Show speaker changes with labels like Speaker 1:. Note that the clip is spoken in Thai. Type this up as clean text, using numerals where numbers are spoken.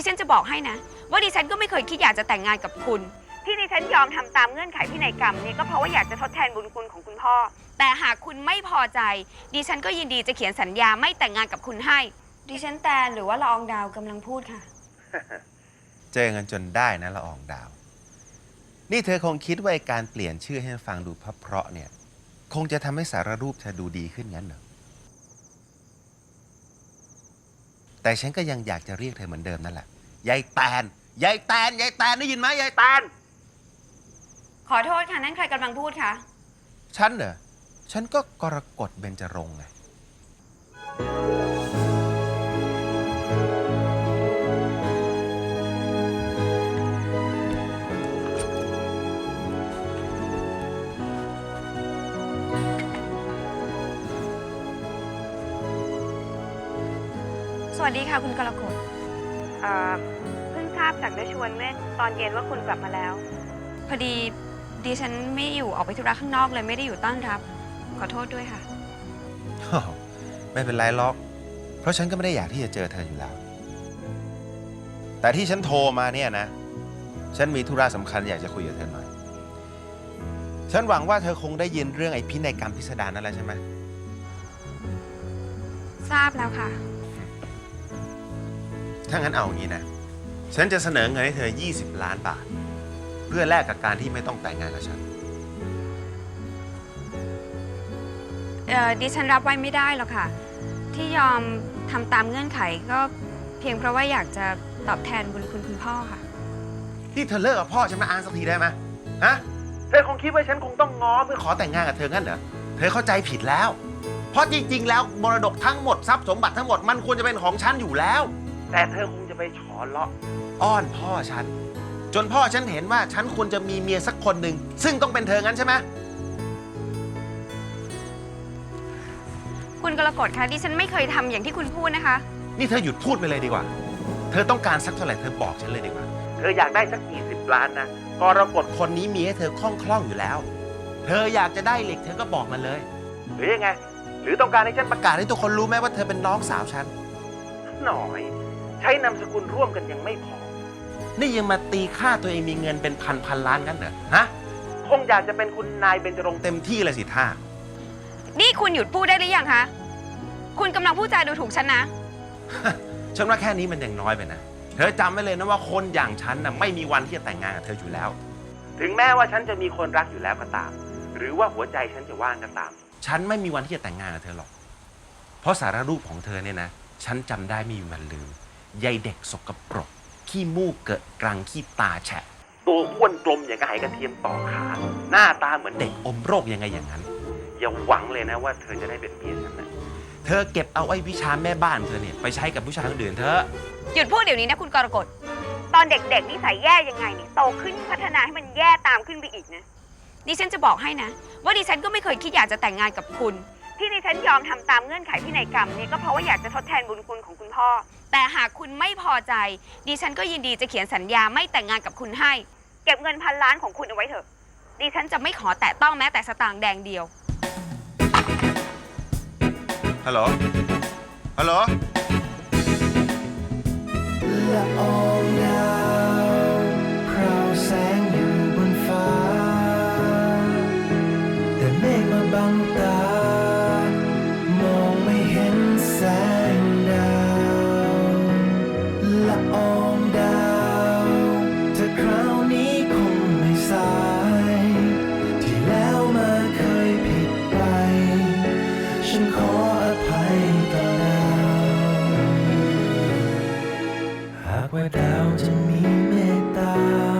Speaker 1: ฉันจะบอกให้นะว่าดิฉันก็ไม่เคยคิดอยากจะแต่งงานกับคุณที่ดิฉันยอมทำตามเงื่อนไขพินัยกรรมนี่ก็เพราะว่าอยากจะทดแทนบุญคุณของคุณพ่อแต่หากคุณไม่พอใจดิฉันก็ยินดีจะเขียนสัญญาไม่แต่งงานกับคุณให้ดิฉันแตนหรือว่าละอองดาวกำลังพูดค่ะ
Speaker 2: เจอกันจนได้นะละอองดาวนี่เธอคงคิดว่าการเปลี่ยนชื่อให้ฟังดูเพราะเนี่ยคงจะทำให้สารรูปเธอดูดีขึ้นงั้นเหรอแต่ฉันก็ยังอยากจะเรียกเธอเหมือนเดิมนั่นแหละยายแตนยายแตนยายแตนได้ยินไหมยายแตน
Speaker 1: ขอโทษค่ะนั่นใครกำลังพูดคะ
Speaker 2: ฉันเหรอฉันก็กรกฎเบญจรงค์ไง
Speaker 1: สวัสดีค่ะคุณกรกฎเพิ่งทราบจากได้ชวนเมื่อตอนเย็นว่าคุณกลับมาแล้วพอดีดิฉันไม่อยู่ออกไปธุระข้างนอกเลยไม่ได้อยู่ต้อนรับขอโทษด้วยค่ะ
Speaker 2: ไม่เป็นไรหรอกเพราะฉันก็ไม่ได้อยากที่จะเจอเธออยู่แล้วแต่ที่ฉันโทรมาเนี่ยนะฉันมีธุระสำคัญอยากจะคุยกับเธอหน่อยฉันหวังว่าเธอคงได้ยินเรื่องไอ้พินัยกรรมพิสดารนั่นแหละใช่ไหม
Speaker 1: ทราบแล้วค่ะ
Speaker 2: ถ้างั้นเอาอย่างนี้นะฉันจะเสนอเงินให้เธอ20 ล้านบาทเพื่อแลกกับการที่ไม่ต้องแต่งงานกับฉัน
Speaker 1: ดิฉันรับไว้ไม่ได้หรอกค่ะที่ยอมทำตามเงื่อนไขก็เพียงเพราะว่าอยากจะตอบแทนบุญคุณคุณพ่อค่ะ
Speaker 2: ที่เธอเลิกกับพ่อฉันมาอ้างสักทีได้ไหมฮะเธอคงคิดว่าฉันคงต้องง้อเพื่อขอแต่งงานกับเธองั้นเหรอเธอเข้าใจผิดแล้วเพราะจริงๆแล้วมรดกทั้งหมดทรัพย์สมบัติทั้งหมดมันควรจะเป็นของฉันอยู่แล้วแต่เธอคงจะไปฉอเลาะอ้อนพ่อฉันจนพ่อฉันเห็นว่าฉันควรจะมีเมียสักคนหนึ่งซึ่งต้องเป็นเธองั้นใช่ไหม
Speaker 1: คุณกรกฎคะดิฉันไม่เคยทำอย่างที่คุณพูดนะคะ
Speaker 2: นี่เธอหยุดพูดไปเลยดีกว่าเธอต้องการสักเท่าไหร่เธอบอกฉันเลยดีกว่าเธออยากได้สัก20 ล้านนะกรกฎคนนี้มีให้เธอคล่องอยู่แล้วเธออยากจะได้เหล็กเธอก็บอกมาเลยหรือยังไงหรือต้องการให้ฉันประกาศให้ทุกคนรู้ไหมว่าเธอเป็นน้องสาวฉันหน่อยใช้นามสกุลร่วมกันยังไม่พอนี่ยังมาตีค่าตัวเองมีเงินเป็นพันล้านงั้นเหรอฮะคงอยากจะเป็นคุณนายเบญจรงค์เต็มที่เลยสิท่า
Speaker 1: นี่คุณหยุดพูดได้หรือยังคะคุณกำลังพูดจาดูถูกฉันนะ
Speaker 2: ฉันว่าแค่นี้มันยังน้อยไปนะเธอจำไว้เลยนะว่าคนอย่างฉันน่ะไม่มีวันที่จะแต่งงานกับเธออยู่แล้วถึงแม้ว่าฉันจะมีคนรักอยู่แล้วก็ตามหรือว่าหัวใจฉันจะว่างก็ตามฉันไม่มีวันที่จะแต่งงานกับเธอหรอกเพราะสารรูปของเธอเนี่ยนะฉันจำได้ไม่มีวันลืมยายเด็กสกปรกขี้มูกเกิดกรังขี้ตาแฉะตัวอ้วนกลมอย่างกับไหกระเทียมต่อขาหน้าตาเหมือนเด็กอมโรคยังไงอย่างนั้นอย่าหวังเลยนะว่าเธอจะได้เป็นเมียฉันนะเธอเก็บเอาไอ้วิชาแม่บ้านเธอเนี่ยไปใช้กับผู้ชายคนอื่นเธอ
Speaker 1: หยุดพูดเดี๋ยวนี้นะคุณกรกฎตอนเด็กๆนิสัยแย่ยังไงนี่โตขึ้นพัฒนาให้มันแย่ตามขึ้นไปอีกนะดิฉันจะบอกให้นะว่าดิฉันก็ไม่เคยคิดอยากจะแต่งงานกับคุณที่ดิฉันยอมทำตามเงื่อนไขพินัยกรรมนี่ก็เพราะว่าอยากจะทดแทนบุญคุณของคุณพ่อแต่หากคุณไม่พอใจดิฉันก็ยินดีจะเขียนสัญญาไม่แต่งงานกับคุณให้เก็บเงิน1,000 ล้านของคุณเอาไว้เถอะดิฉันจะไม่ขอแตะต้องแม้แต่สตางค์แดงเดียว
Speaker 2: ฮัลโหลฮัลโหล
Speaker 3: ละอองดาวพราวแสงอยู่บนฟ้าแต่เมฆมาบังตามองไม่เห็นแสงดาวละอองดาวเธอคราวนี้คงไม่สายที่แล้วมาเคยผิดไปฉันขออภัยต่อดาวหากว่าดาวจะมีเมตตา